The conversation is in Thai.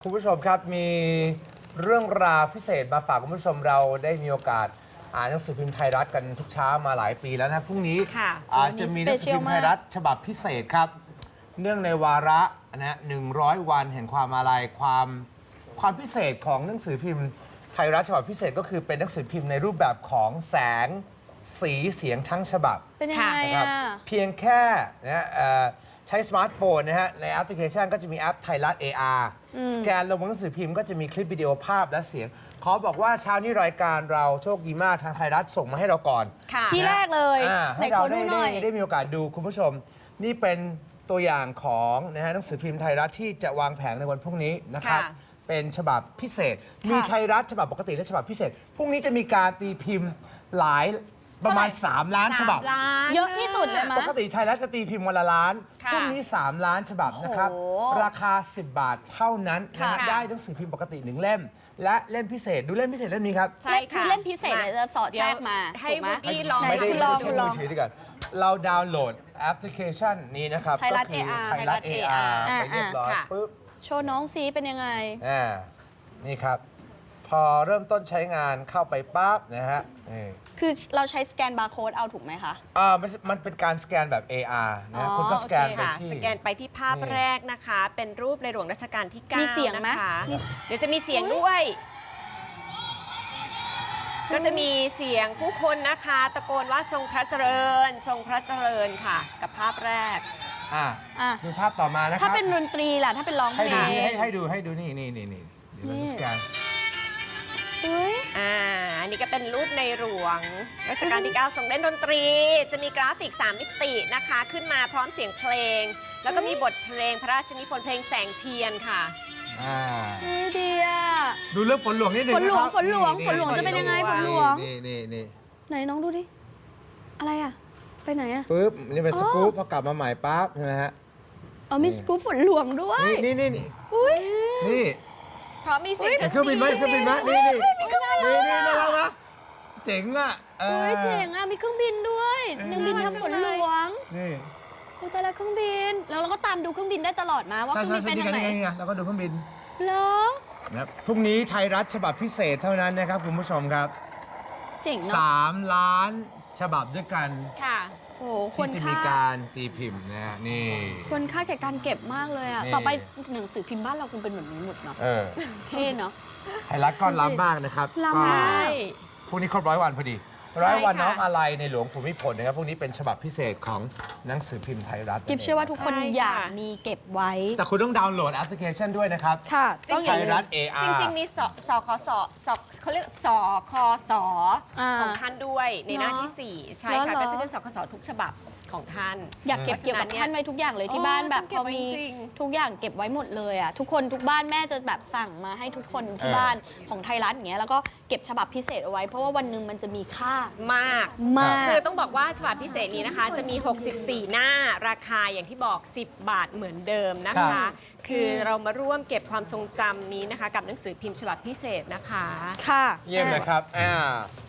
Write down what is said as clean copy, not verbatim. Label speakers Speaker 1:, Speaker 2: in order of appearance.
Speaker 1: คุณผู้ชมครับมีเรื่องราวพิเศษมาฝากคุณผู้ชมเราได้มีโอกาสอ่านหนังสือพิมพ์ไทยรัฐกันทุกเช้ามาหลายปีแล้วนะพรุ่งนี้จะมีหนังสือพิมพ์ไทยรัฐฉบับพิเศษครับเนื่องในวาระนะ100 วันแห่งความอาลัยความพิเศษของหนังสือพิมพ์ไทยรัฐฉบับพิเศษก็คือเป็นหนังสือพิมพ์ในรูปแบบของแสงสีเสียงทั้งฉบับ
Speaker 2: เป็นยังไง
Speaker 1: นะครับ
Speaker 2: อ่ะ
Speaker 1: เพียงแค่นะใช้สมาร์ทโฟนนะฮะในแอปพลิเคชันก็จะมีแอปไทยรัฐ AR สแกนลงบนหนังสือพิมพ์ก็จะมีคลิปวิดีโอภาพและเสียง ขอบอกว่าเช้านี้รายการเราโชคดีมากทางไทยรัฐส่งมาให้เราก่อน
Speaker 2: ที่แรกเลย
Speaker 1: ให้เรา
Speaker 2: ไหนขอดูหน่อย
Speaker 1: ได้มีโอกาสดูคุณผู้ชม นี่เป็นตัวอย่างของนะฮะหนังสือพิมพ์ไทยรัฐที่จะวางแผงในวันพรุ่งนี้นะครับ เป็นฉบับพิเศษ มีไทยรัฐฉบับปกติและฉบับพิเศษพรุ่งนี้จะมีการตีพิมพ์หลายประมาณ 3 ล้านฉบับ
Speaker 2: เยอะที่สุดเลยมั้
Speaker 1: ป
Speaker 2: ย
Speaker 1: กติไทยรัฐจะตีพิมพ์วันละล้าน
Speaker 3: ค่ะ
Speaker 1: พรุ่งนี้ 3 ล้านฉบับนะครับ
Speaker 2: โอ้โห
Speaker 1: ราคา 10 บาทเท่านั้นนะฮะ
Speaker 2: ค่ะ
Speaker 1: ได้หนังสือพิมพ์ปกติ 1 เล่ม และเล่มพิเศษดูเล่มพิเศษเล่มนี้ครับ
Speaker 3: ใช่
Speaker 2: คือ
Speaker 3: ค่ะ
Speaker 2: เล่มพิเศษเนี่ยจะสอดแทรกมา
Speaker 3: ให้
Speaker 2: ถูกไหม
Speaker 3: วูดดี้ลอง
Speaker 1: ไม่ได้
Speaker 2: คุณลอง
Speaker 1: ใช้มือถือดีกว่าเราดาวน์โหลดแอปพลิเคชันนี้นะครับ
Speaker 2: ไทยรัฐ
Speaker 1: ก็คือ
Speaker 2: AR
Speaker 1: ไทยรัฐ AR ไปเรียบร้อย
Speaker 3: ค่ะ
Speaker 1: ปุ๊บ
Speaker 2: โชว์น้องซีเป็นยังไง
Speaker 1: นี่ครับ พอเริ่มต้นใช้งานเข้าไปปั๊บนะฮะนี่
Speaker 2: คือเราใช้สแกนบาร์โค้ดเอาถูกไหมคะ
Speaker 1: มันเป็นการสแกนแบบ AR นะ
Speaker 2: อ๋อ
Speaker 1: คุณก็สแกน
Speaker 2: โอเค
Speaker 1: ไป
Speaker 3: ค่ะ
Speaker 1: ที่
Speaker 3: สแกนไปที่ภาพแรกนะคะ เป็นรูปในหลวงรัชกาลที่
Speaker 2: มีเสียง
Speaker 3: 9
Speaker 2: ไหม
Speaker 3: นะคะ
Speaker 2: มี
Speaker 3: เดี๋ยวจะมีเสียงด้วย ก็จะมีเสียงผู้คนนะคะ ตะโกนว่าทรงพระเจริญ ทรงพระเจริญค่ะ กับภาพแรก
Speaker 1: อ่ะ
Speaker 2: อ่ะ
Speaker 1: ดูภาพต่อมานะค
Speaker 2: ถ้า
Speaker 1: รับ
Speaker 2: เป็นดนตรีล่ะ ถ้าเป็นร้องเพ
Speaker 1: ให้
Speaker 2: ล
Speaker 1: ดู
Speaker 2: ง
Speaker 1: นี่ให้ดูนี่เดี๋ยวเราจะสแกน
Speaker 2: เฮ้ย
Speaker 3: อันนี้ก็เป็นรูปในหลวงรัชกาลที่ 9 ทรงเล่นดนตรี จะมีกราฟิก 3 มิตินะคะ ขึ้นมาพร้อมเสียงเพลง แล้วก็มีบทเพลงพระราชนิพนธ์เพลงแสงเทียนค่ะ
Speaker 2: เฮ้ยดีอ่ะ
Speaker 1: ดูเรื่องฝนหลวงนิดนึง
Speaker 2: ฝนหลวง
Speaker 1: ะครับ
Speaker 2: ฝนหลวง
Speaker 1: นี่
Speaker 2: ฝนหลวงจะเป็นยังไงฝนหลวง
Speaker 1: นี่
Speaker 2: ไหนน้องดูดิ อะไรอ่ะ ไปไหนอ่ะ
Speaker 1: ปุ๊บนี่เป็นสกู๊ปพอกลับมาใหม่ปั๊บใช่ไหมฮะ
Speaker 2: มีสกู๊ปฝนหลวงด้วย
Speaker 1: นี่
Speaker 2: อุ้ย
Speaker 1: นี่
Speaker 3: เพราะมีเสียง
Speaker 1: เห็นเครื่องบินไหมเครื่องบินไหมนี่น่ารักนะเจ๋งอ่ะ
Speaker 2: เฮ้ยเจ๋งอ่ะ มีเครื่องบินด้วยเครื่องบินทำฝนหลวง
Speaker 1: นี่
Speaker 2: โอ้แต่ละเครื่องบิน แล้วเราก็ตามดูเครื่องบินได้ตลอดมาว่าเครื่องบินไปทางไหน
Speaker 1: นี่ไงแล้วก็ดูเครื่องบิน
Speaker 2: เหรอ
Speaker 1: นะครับพรุ่งนี้ไทยรัฐฉบับพิเศษเท่านั้นนะครับคุณผู้ชมครับ
Speaker 2: เจ๋งเนาะ
Speaker 1: 3 ล้านฉบับด้วยกัน
Speaker 3: ค่ะ
Speaker 2: โอ้โหคว
Speaker 1: ที่
Speaker 2: ร
Speaker 1: จะมี
Speaker 2: ค่า
Speaker 1: การตีพิมพ์นะฮะนี่
Speaker 2: ควรค่าแก่การเก็บมากเลยอ่ะ
Speaker 1: นี่
Speaker 2: ต่อไปหนังสือพิมพ์บ้านเราคงเป็นแบบนี้หมดเนาะ เท่เนาะ
Speaker 1: ไทยรัฐก็ล้ำมากนะครับ
Speaker 2: ล้ำ
Speaker 1: ก็
Speaker 2: มาก
Speaker 1: พรุ่งนี้ครบ100 วันพอดี
Speaker 3: ใช่
Speaker 1: 100 วัน
Speaker 3: ค่ะ
Speaker 1: น้อมอาลัยในหลวงภูมิพลนะครับพรุ่งนี้เป็นฉบับพิเศษของหนังสือพิมพ์ไทยรัฐ
Speaker 2: กิฟเชื่อว่าทุกคน
Speaker 3: ใช่ค่ะ
Speaker 2: อยากมีเก็บไว้
Speaker 1: แต่คุณต้องดาวน์โหลดแอปพลิเคชันด้วยนะครับ
Speaker 2: ค่ะ
Speaker 1: ไทยรัฐ AR
Speaker 3: จริง ๆ มีสคสเขาเรียกสคส
Speaker 2: อ่า
Speaker 3: ของท่านด้วยในหน้าที่
Speaker 2: เหรอ
Speaker 3: 4 ใช่
Speaker 2: เหร
Speaker 3: ค่ะ
Speaker 2: อ
Speaker 3: ก็จะเป็นสคสทุกฉบับของท่าน
Speaker 2: อยากเก็บเกี่ยวกับท่านไว้ทุกอย่างเลยที่บ้านแบบ
Speaker 3: ต้องเก็
Speaker 2: พ
Speaker 3: บ
Speaker 2: อ
Speaker 3: ไว้
Speaker 2: มี
Speaker 3: จริง
Speaker 2: ทุกอย่างเก็บไว้หมดเลยอ่ะทุกคนทุกบ้านแม่จะแบบสั่งมาให้ทุกคนที่บ้านของไทยรัฐอย่างเงี้ยแล้วก็เก็บฉบับพิเศษเอาไว้ เพราะว่าวันหนึ่งมันจะมีค่าม
Speaker 3: าก
Speaker 2: มาก
Speaker 3: คือต้องบอกว่าฉบับพิเศษนี้นะคะ จะมี 64 หน้าราคาอย่างที่บอก 10 บาทเหมือนเดิมนะ
Speaker 1: ครั
Speaker 3: คะ
Speaker 1: บ
Speaker 3: คือเรามาร่วมเก็บความทรงจำนี้นะคะ กับหนังสือพิมพ์ฉบับพิเศษนะคะ
Speaker 2: ค่ะ
Speaker 1: เยี่ยมเลยครับ